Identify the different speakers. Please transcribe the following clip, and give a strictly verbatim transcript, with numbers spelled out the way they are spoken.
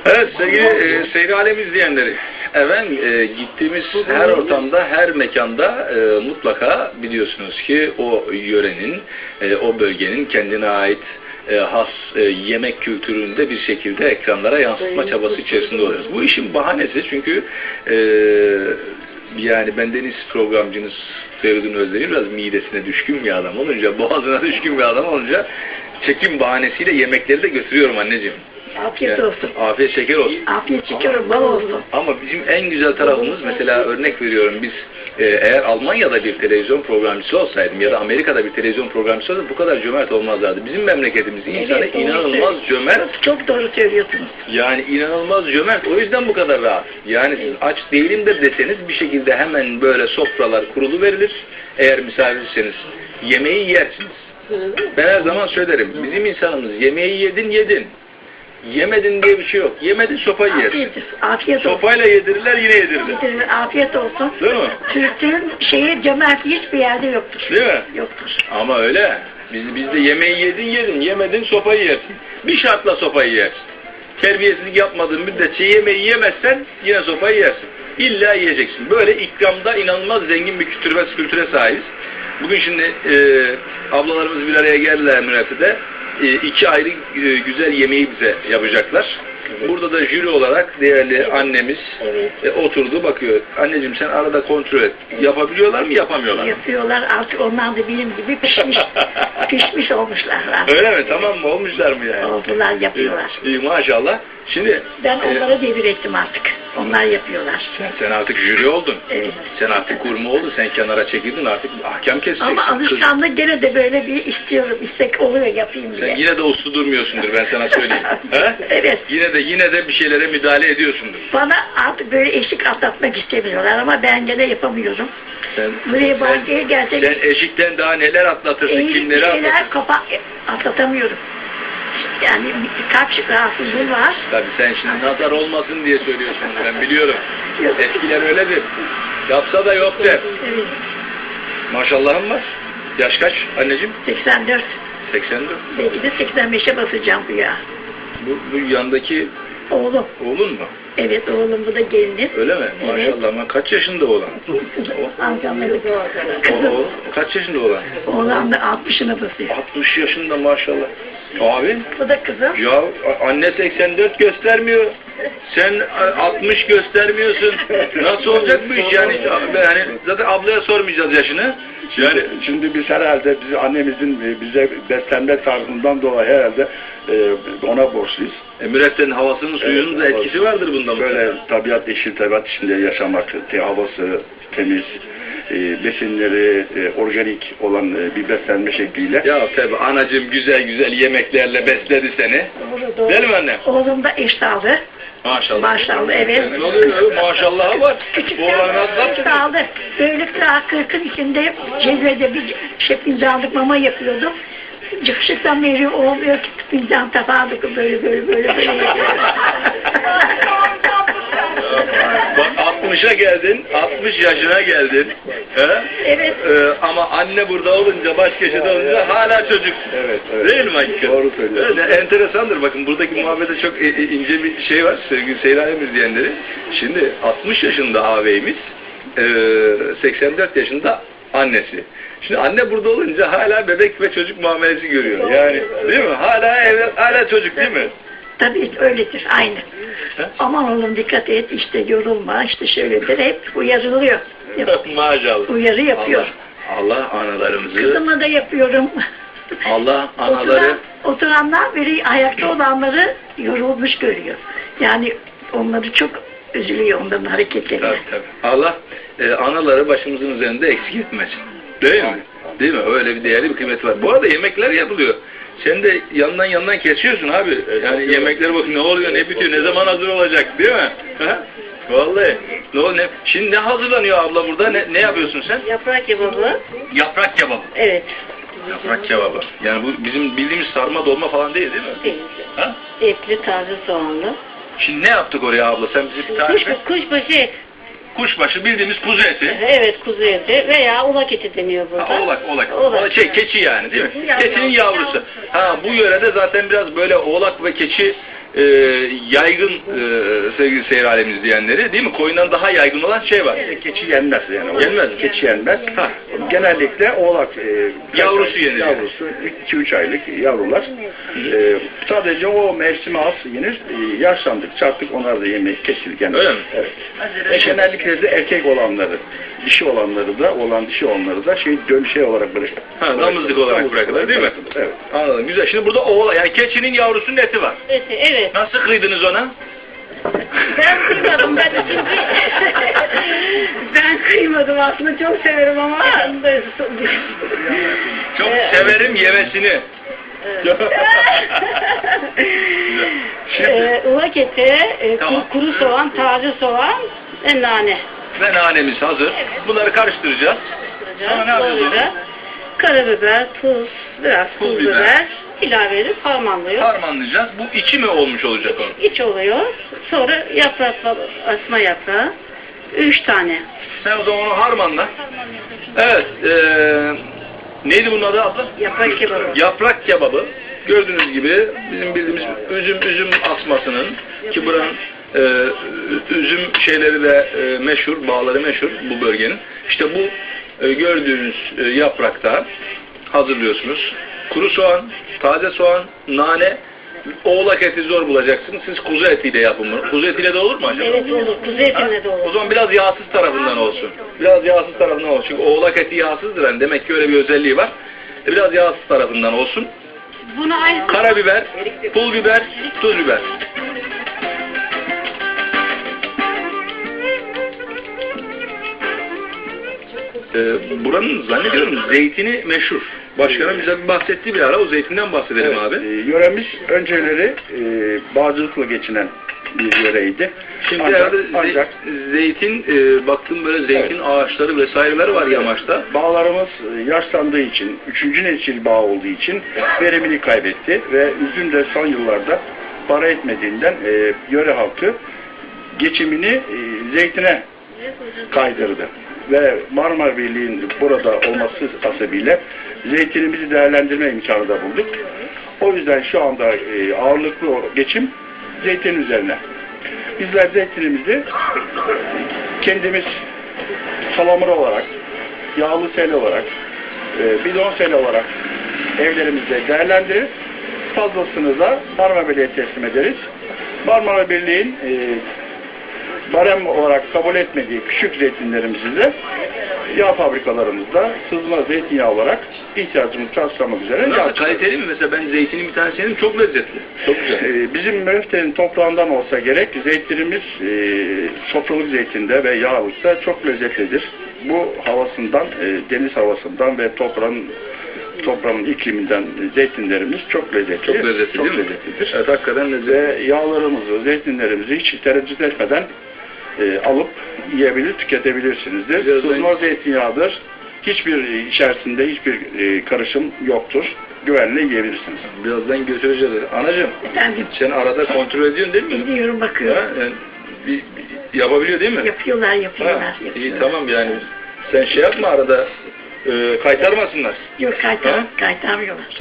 Speaker 1: Evet sevgili e, Seyri Alem izleyenleri, efendim e, gittiğimiz her ortamda, her mekanda e, mutlaka biliyorsunuz ki o yörenin, e, o bölgenin kendine ait e, has e, yemek kültüründe bir şekilde ekranlara yansıtma çabası içerisinde oluyoruz. Bu işin bahanesi çünkü e, yani bendeniz programcınız Feridun Özdemir biraz midesine düşkün bir adam olunca, boğazına düşkün bir adam olunca çekim bahanesiyle yemekleri de götürüyorum anneciğim.
Speaker 2: Afiyet
Speaker 1: yani,
Speaker 2: olsun.
Speaker 1: Afiyet şeker olsun.
Speaker 2: Afiyet şeker bal olsun.
Speaker 1: Ama bizim en güzel tarafımız, mesela örnek veriyorum, biz e, eğer Almanya'da bir televizyon programcısı olsaydım ya da Amerika'da bir televizyon programcısı olsaydım bu kadar cömert olmazlardı. Bizim memleketimizin
Speaker 2: Evet,
Speaker 1: insanı inanılmaz cömert.
Speaker 2: Çok, çok doğru söylüyorsunuz.
Speaker 1: Yani inanılmaz cömert. O yüzden bu kadar rahat. Yani siz aç değilim de deseniz bir şekilde hemen böyle sofralar kurulu verilir. Eğer misafirseniz yemeği yersiniz. Ben her zaman söylerim. Bizim insanımız yemeği yedin yedin. Yemedin diye bir şey yok. Yemedin sopayı yersin.
Speaker 2: Afiyet, afiyet olsun.
Speaker 1: Sopayla yedirirler yine yedirirler.
Speaker 2: Afiyet olsun.
Speaker 1: Değil mi?
Speaker 2: Türklerin şeyi cömertliği hiçbir yerde yoktur.
Speaker 1: Değil mi?
Speaker 2: Yoktur.
Speaker 1: Ama öyle. Biz, bizde yemeği yedin yedin. Yemedin sopayı yersin. Bir şartla sopayı yersin. Terbiyesizlik yapmadığın müddetçe yemeği yemezsen yine sopayı yersin. İlla yiyeceksin. Böyle ikramda inanılmaz zengin bir kültür ve kültüre sahibiz. Bugün şimdi e, ablalarımız bir araya geldiler Mürefe'de. E, iki ayrı e, güzel yemeği bize yapacaklar. Evet. Burada da jüri olarak değerli evet. annemiz evet. E, oturdu bakıyor. Anneciğim sen arada kontrol et. Evet. Yapabiliyorlar mı yapamıyorlar mı?
Speaker 2: Yapıyorlar. Artık onlar da benim gibi pişmiş pişmiş olmuşlar. Artık.
Speaker 1: Öyle mi? Tamam mı? Olmuşlar mı yani?
Speaker 2: Oldular, yapıyorlar.
Speaker 1: İyi, iyi maşallah. Şimdi
Speaker 2: ben onlara e, devir ettim artık. Onlar yapıyorlar.
Speaker 1: Sen, sen artık jüri oldun.
Speaker 2: Evet.
Speaker 1: Sen artık kurma oldun. Sen kenara çekildin artık ahkam keseceksin.
Speaker 2: Ama alışkanlık gene de böyle bir istiyorum. İstek oluyor yapayım diye.
Speaker 1: Sen yine de uslu durmuyorsundur ben sana söyleyeyim. He?
Speaker 2: Evet.
Speaker 1: Yine de yine de bir şeylere müdahale ediyorsundur.
Speaker 2: Bana artık böyle eşik atlatmak istemiyorlar ama ben gene yapamıyorum.
Speaker 1: Sen,
Speaker 2: buraya bankaya gelsek...
Speaker 1: Sen eşikten daha neler atlatırsın,
Speaker 2: eğilik
Speaker 1: kimleri
Speaker 2: şeyler
Speaker 1: atlatırsın?
Speaker 2: Kafa, atlatamıyorum. Yani kalp rahatsızlığı var.
Speaker 1: Tabii sen şimdi nazar olmasın diye söylüyorsun, ben biliyorum. Eskiler öyledir. Yapsa da yok der.
Speaker 2: Evet.
Speaker 1: Maşallahım var. Yaş kaç anneciğim?
Speaker 2: seksen dört.
Speaker 1: seksen dört.
Speaker 2: Belki de seksen beşe basacağım bu ya.
Speaker 1: Bu, bu yandaki
Speaker 2: oğlum.
Speaker 1: Oğlun mu?
Speaker 2: Evet oğlum, bu da gelinim.
Speaker 1: Öyle mi?
Speaker 2: Evet.
Speaker 1: Maşallah ama kaç yaşında oğlan?
Speaker 2: Amcamları
Speaker 1: kızım. O, o, kaç yaşında oğlan?
Speaker 2: Oğlan da altmışına basıyor.
Speaker 1: altmış yaşında maşallah. Abi?
Speaker 2: Bu da kızım.
Speaker 1: Ya anne seksen dört göstermiyor. Sen altmış göstermiyorsun. Nasıl olacak bu iş yani? Yani zaten ablaya sormayacağız yaşını.
Speaker 3: Yani şimdi biz herhalde biz annemizin bize beslenme tarzından dolayı herhalde ona borçluyuz.
Speaker 1: E, Müreffe'nin havasının suyunun da etkisi vardır bunda.
Speaker 3: Böyle tabiat, yeşil tabiat içinde yaşamak, te, havası temiz, e, besinleri e, organik olan e, bir beslenme şekliyle.
Speaker 1: Ya tabi anacığım güzel güzel yemeklerle besledi seni.
Speaker 2: Doğru, doğru.
Speaker 1: Değil mi anne?
Speaker 2: Oğlum da eştağlı.
Speaker 1: Maşallah.
Speaker 2: Maşallah, evet.
Speaker 1: Ne oluyor? Maşallah var.
Speaker 2: Küçük
Speaker 1: Bu olan nasıl
Speaker 2: eştağlı. Böyle daha kırkın içinde cevrede bir şey fincanlık mama yapıyordum. Çıkışıktan beri olmuyor ki fincan tabağı böyle böyle böyle böyle yapıyor.
Speaker 1: Bak altmışa geldin, altmış yaşına geldin. He?
Speaker 2: Evet.
Speaker 1: Ee, ama anne burada olunca, baş köşede olunca hala çocuksun.
Speaker 3: Evet, evet.
Speaker 1: Değil mi hakikaten?
Speaker 3: Doğru söylüyorsun.
Speaker 1: Öyle enteresandır. Bakın buradaki muhabbete çok ince bir şey var sevgili Seyri Alem izleyenleri. Şimdi altmış yaşında ağabeyimiz, seksen dört yaşında annesi. Şimdi anne burada olunca hala bebek ve çocuk muamelesi görüyor. Yani değil mi? Hala ev, hala çocuk değil mi?
Speaker 2: Tabii öyledir, aynı.
Speaker 1: He?
Speaker 2: Aman oğlum dikkat et, işte yorulma, işte şöyledir, hep uyarılıyor.
Speaker 1: Maşallah.
Speaker 2: Uyarı yapıyor.
Speaker 1: Allah, Allah analarımızı.
Speaker 2: Kızıma da yapıyorum.
Speaker 1: Allah anaları.
Speaker 2: Oturan, oturanlar biri ayakta olanları yorulmuş görüyor. Yani onları çok üzülüyor onların hareketlerine.
Speaker 1: Tabii, tabii. Allah e, anaları başımızın üzerinde eksik etmesin. Değil mi? Değil mi? Öyle bir değerli bir kıymet var. Bu arada yemekler yapılıyor. Sen de yandan yandan kesiyorsun abi. Yani yemekler bak ne oluyor, ne bitiyor, ne zaman hazır olacak değil mi? Ha? Vallahi. Ne oluyor? Ne? Şimdi ne hazırlanıyor abla burada? Ne, ne yapıyorsun sen?
Speaker 2: Yaprak kebabı.
Speaker 1: Yaprak kebabı.
Speaker 2: Evet.
Speaker 1: Yaprak kebabı. Yani bu bizim bildiğimiz sarma dolma falan değil değil mi?
Speaker 2: Değil.
Speaker 1: Ha?
Speaker 2: Etli, taze soğanlı.
Speaker 1: Şimdi ne yaptık oraya abla? Sen bize bir tarif et.
Speaker 2: Kuşbaşı et.
Speaker 1: Kuşbaşı bildiğimiz kuzu eti.
Speaker 2: Evet, kuzu eti veya ulak eti deniyor burada.
Speaker 1: Ha, oğlak, oğlak.
Speaker 2: Oğlak.
Speaker 1: Şey, keçi yani değil mi?
Speaker 2: Yavru.
Speaker 1: Keçinin yavrusu. Ha, bu yörede zaten biraz böyle oğlak ve keçi e, yaygın e, sevgili seyir alemi izleyenleri, değil mi? Koyundan daha yaygın olan şey var.
Speaker 3: E, Keçi yenmez yani.
Speaker 1: Yenmez mi?
Speaker 3: Keçi yenmez.
Speaker 1: Ha.
Speaker 3: Genellikle oğlak e,
Speaker 1: Yavrusu yenir.
Speaker 3: Yavrusu iki üç aylık yavrular. E, sadece o mevsime az yenir. E, yaşlandıkça artık onlar da yemek kesilir. Yani.
Speaker 1: Öyle mi?
Speaker 3: Evet. E, genellikle de erkek olanları, dişi olanları da, olan dişi olanları da şey dön şey olarak bırakılır.
Speaker 1: Ha, damızlık olarak
Speaker 3: Damızlık
Speaker 1: bırakılır, değil mi?
Speaker 3: bırakılır, Evet.
Speaker 1: Anladım. Güzel. Şimdi burada oğla, yani keçinin yavrusunun eti var.
Speaker 4: Evet, evet.
Speaker 1: Nasıl kıydınız ona?
Speaker 4: Ben kıymadım, ben ikinci...
Speaker 2: Ben kıymadım aslında, çok severim ama.
Speaker 1: Çok
Speaker 4: Evet.
Speaker 1: severim yemesini.
Speaker 4: Ee, ıvak eti, e, ku-
Speaker 1: Tamam.
Speaker 4: kuru soğan, taze soğan ve nane.
Speaker 1: Ve nanemiz hazır. Bunları karıştıracağız. Sonra ne yapacağız?
Speaker 4: Doğrayacağız. Karabiber, tuz, biraz
Speaker 1: Pul
Speaker 4: pul
Speaker 1: biber.
Speaker 4: biber ilave edip harmanlıyor.
Speaker 1: Harmanlayacağız. Bu içi mi olmuş olacak onun?
Speaker 4: İç oluyor. Sonra yaprak, asma yaprağı. Üç tane.
Speaker 1: Sen o zaman onu harmanla. Evet. eee neydi bunun adı abla?
Speaker 4: Yaprak kebabı.
Speaker 1: Yaprak kebabı. Gördüğünüz gibi bizim bildiğimiz üzüm üzüm asmasının, ki buranın e, üzüm şeyleri de e, meşhur, bağları meşhur bu bölgenin. İşte bu e, gördüğünüz e, yaprakta hazırlıyorsunuz. Kuru soğan, taze soğan, nane, oğlak eti zor bulacaksınız. Siz kuzu etiyle yapın bunu. Kuzu etiyle de olur mu acaba?
Speaker 4: Evet olur. Kuzu etinde de
Speaker 1: O
Speaker 4: olur.
Speaker 1: zaman biraz yağsız tarafından olsun. Biraz yağsız tarafından olsun. Çünkü oğlak eti yağsızdır. Yani demek ki öyle bir özelliği var. E, biraz yağsız tarafından olsun.
Speaker 4: Bunu aynı
Speaker 1: Karabiber, pul biber, tuz biber. Ee, buranın zannediyorum zeytini meşhur. Başkanım bize bir bahsetti bir ara. O zeytinden bahsedelim
Speaker 3: Evet,
Speaker 1: abi.
Speaker 3: e, yöremiz önceleri e, bağcılıkla geçinen bir yöreydi.
Speaker 1: Şimdi
Speaker 3: ancak,
Speaker 1: herhalde ze-
Speaker 3: ancak
Speaker 1: zeytin, e, baktım böyle zeytin
Speaker 3: Evet.
Speaker 1: ağaçları vesaireler var yamaçta.
Speaker 3: bağlarımız e, yaşlandığı için, üçüncü nesil bağ olduğu için verimini kaybetti ve üzüm de son yıllarda para etmediğinden e, yöre halkı geçimini e, zeytine kaydırdı. Ve Marmara Birliği'nin burada olması hasebiyle zeytinimizi değerlendirme imkanı da bulduk. O yüzden şu anda e, ağırlıklı o geçim zeytin üzerine. Bizler zeytinimizi kendimiz salamura olarak, yağlı sel olarak, e, bidon sel olarak evlerimizde değerlendirir. Fazlasını da Marmara Birliği'ne teslim ederiz. Marmara Birliği'nin e, barem olarak kabul etmediği küçük zeytinlerimizi de yağ fabrikalarımızda sızma zeytinyağı olarak ihtiyacımızı karşılamak üzere yağ
Speaker 1: Nasıl,
Speaker 3: çıkarıyoruz.
Speaker 1: kaliteli mi? Mesela ben zeytinin bir tanesini yedim, çok lezzetli. Çok güzel.
Speaker 3: Ee, Bizim Mönfte'nin toprağından olsa gerek zeytinimiz e, sofralık zeytinde ve yağlıkta çok lezzetlidir. Bu havasından, e, deniz havasından ve toprağın toprağın ikliminden zeytinlerimiz çok lezzetli.
Speaker 1: Çok lezzetli
Speaker 3: çok
Speaker 1: değil mi?
Speaker 3: lezzetlidir.
Speaker 1: Evet, hakikaten lezzetli.
Speaker 3: Ve yağlarımızı, zeytinlerimizi hiç tereddüt etmeden e, alıp yiyebilir, tüketebilirsinizdir.
Speaker 1: Birazdan-
Speaker 3: Sızma zeytinyağıdır. Hiçbir içerisinde hiçbir e, karışım yoktur. Güvenle yiyebilirsiniz.
Speaker 1: Birazdan götüreceğiz. Anacığım,
Speaker 2: Efendim,
Speaker 1: sen arada kontrol ediyorsun değil mi?
Speaker 2: gidiyorum,
Speaker 1: Ha,
Speaker 2: bakıyorum.
Speaker 1: yani bir, bir- yapabiliyor değil mi?
Speaker 2: Yapıyorlar,
Speaker 1: Ha,
Speaker 2: yapıyorlar.
Speaker 1: iyi
Speaker 2: yapıyorlar.
Speaker 1: tamam yani. Sen şey yapma arada, e, kaytarmasınlar.
Speaker 2: Yok, kaytar,
Speaker 1: Ha?
Speaker 2: kaytarmıyorlar.